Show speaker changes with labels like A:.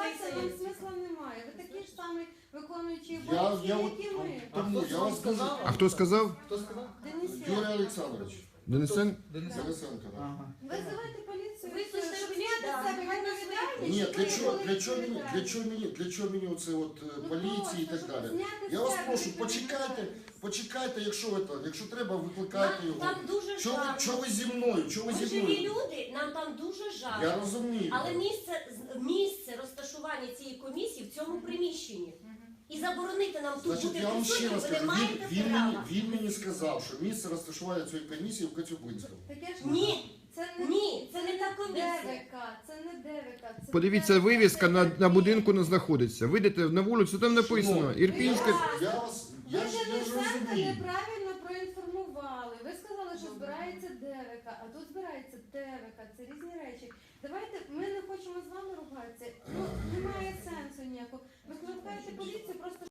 A: ругатися нам смисла немає. Ви такі ж самі виконуючі обов'язки, як і ми.
B: Тому я вас дуже...
C: А хто сказав?
B: Хто сказав?
A: Денисенко.
B: Юрій Олександрович.
C: Денисен?
B: Денисенко, так.
D: Ага.
A: Визивайте поліцію,
E: Ви
A: щоб
E: слухайте,
A: зняти
E: да,
A: з себе
E: хай нас
A: відповідальність.
B: Ні,
A: щоб ви
B: для
A: були відповідальні.
B: чого мені оце от поліції і так
A: Щоб
B: далі?
A: зняти з
B: Я вас
A: себе
B: прошу,
A: відповідальність.
B: почекайте, якщо треба, викликайте його.
E: Там дуже жарко.
B: Чого ви зі мною? Чого ви
E: Ми
B: зі
E: живі
B: мною?
E: люди, нам там дуже жарко.
B: Я розумію.
E: Але місце розташування цієї комісії в цьому приміщенні. І заборонити нам тут
B: Значить,
E: бути
B: я вам ще раз
E: присутніми, ви не
B: кажу,
E: маєте права.
B: він мені сказав, що місце розташування цієї комісії в Коцюбинському.
A: Таке ж
E: Ні,
A: це
E: ні, це не та комісія.
A: ДВК, це не ДВК. Це
C: Подивіться,
A: ДВК,
C: вивіска
A: це
C: на будинку не знаходиться. Вийдете на вулицю, там написано Ірпінське.
B: Я
A: Ви
B: ж
A: Денисенка
B: розумію.
A: неправильно проінформували. Ви сказали, що збирається ДВК, а тут збирається ТВК. Це різні речі. Давайте, ми не хочемо з вами ругатися. Ну, немає сенсу.